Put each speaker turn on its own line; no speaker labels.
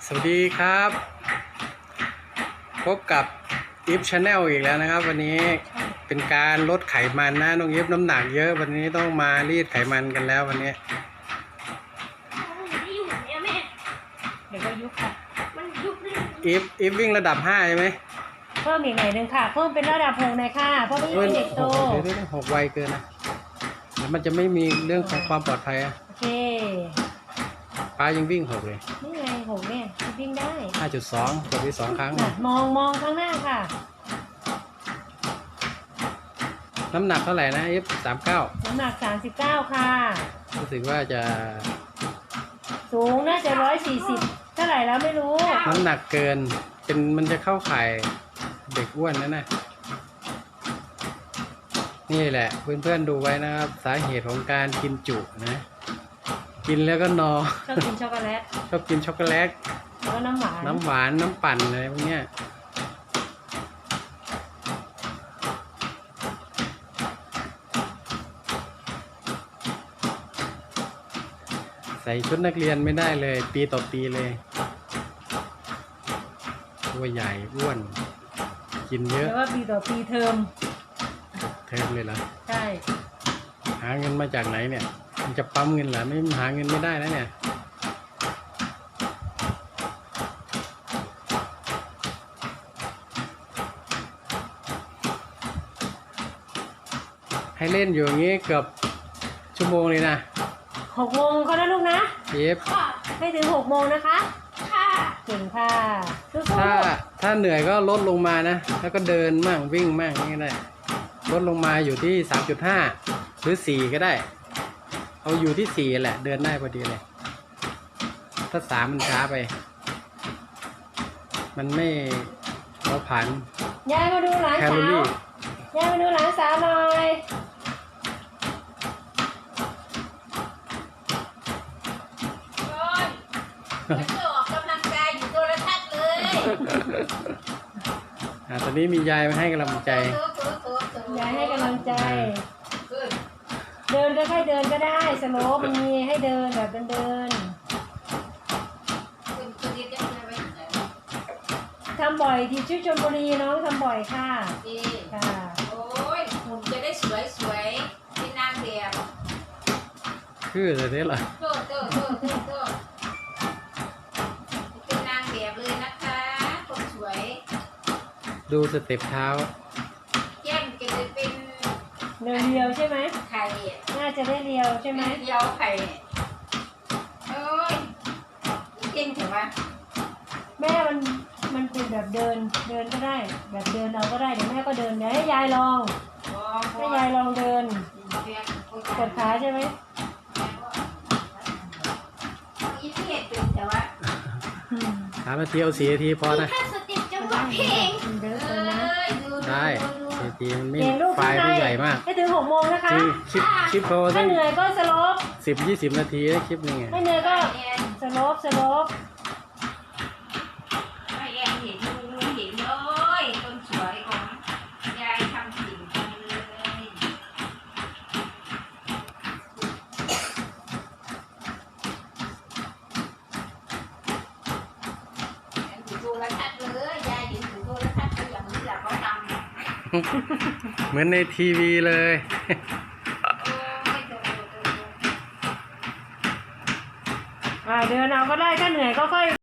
สวัสดีครับพบกับอิฟชาแนลอีกแล้วนะครับวันนี้เป็นการลดไขมันนะน้องอิฟน้ำหนักเยอะวันนี้ต้องมารีดไขมันกันแล้ววันนี้
เดี๋ยวก็ยุบค่ะมันยุบเลย
อิฟวิ่งระดับ5ใช่ไหม
เพิ่มอีกหน่อยนึงค่ะเพิ่มเป็นระดับ6หน่อยค่ะเพราะไม่เป็นเด็กโต
เดี๋ยว6ไวเกินนะเดี๋ยวมันจะไม่มีเรื่องของความปลอดภัยอะ
โอเค
ป้ายังวิ่ง6เลย
นี่ไง6เนี่ยวิ่งได้
5.2 กดไป2 ครั้ง
มองข้างหน้าค่ะ
น้ำหนักเท่าไหร่นะอิฟ39
น้ำหนัก39ค่ะ
รู้สึกว่าจะ
สูงน่าจะ140เท่าไหร่แล้วไม่รู้
น้ำหนักเกินมันจะเข้าข่ายเด็กอ้วนนะนี่แหละเพื่อนๆดูไว้นะครับสาเหตุของการกินจุนะกินแล้วก็นอน
ชอบกินช็อกโกแลต
ชอบกินช็อกโกแลต
แล้วก็น้ำหวาน
น้ำปั่นอะไรพวกเนี้ยใส่ชุดนักเรียนไม่ได้เลยปีต่อปีเลยตัวใหญ่อ้วนกินเยอะ
แต่ว่าปีต่อปีเทอม
เลยเหรอ
ใช่
หาเงินมาจากไหนเนี่ยมันจะปั๊มเงินเหรอไม่หาเงินไม่ได้นะเนี่ยให้เล่นอยู่อย่างนี้เกือบชั่วโมงเลยนะ
6 โมงเขานะลูกนะ
เอฟ
ให้ถึง6 โมงนะคะค่ะเก่งค่ะ
ถ้าเหนื่อยก็ลดลงมานะแล้วก็เดินมั่งวิ่งมั่งนี่ได้ลดลงมาอยู่ที่ 3.5 หรือ4ก็ได้เอาอยู่ที่4แหละเดินได้พอดีเลยถ้า3มันช้าไปมันไม่เราผ่าน
ยายมาดูหลานสาวยายมาดูหลานสาวหน่อย
มันจะออกกำลังกายอยู่โทรทัศน์เลย
ตอนนี้มียายมาให้กำลังใจ
ยายให้กำลังใจเดินก็แค่เดินก็ได้สโลปมีให้เดินแบบเดินทำบ่อยที่ชื่อชลบุรีน้องทำบ่อยค่ะค่ะ
โอ้ยหุ่นจะได้สวยเป็นนางแบบ
คือจะได้เหรอ
โตเป็นนางแบบเลยนะคะคนสวย
ดูสเต็ปเท้า
แก้มจะเป็น
เรียวใช่ไหม
ไข่
น่าจะได้เรียวใช่ไหม
เรียวไข่โอ้ยเก่งเถอะวะ
แม่มันเป็นแบบเดินก็ได้แบบเดินเอาก็ได้เดี๋ยวแม่ก็เดินเดี๋ยวให้ยายลองให้ยายลองเดินกดขาใช่ไหม
อีเทียดเป็นแต่ว่า
3 นาทีเอา4 นาทีพอนะ
ถ้าสติจังหวะเพลง
ได้4 นาทีมันไม่ไฟล์ไม่ใหญ่มาก
ให้ถึง6 โมงนะคะ
คลิปเขา
ถ้าเหนื่อยก็สโลป
10-20 นาทีนะคลิปนึง
ให้เหนื่อยก็สโลป
ไม่แย่เห็นเลยคนสวยของยายทำสิ่งเลยโทรทัศน์เลยยายเห็นโทรทัศน์ก็อย่างนี้แหละเขาท
ำเหมือนในทีวีเลย
เดินเอาก็ได้ถ้าเหนื่อยก็ค่อย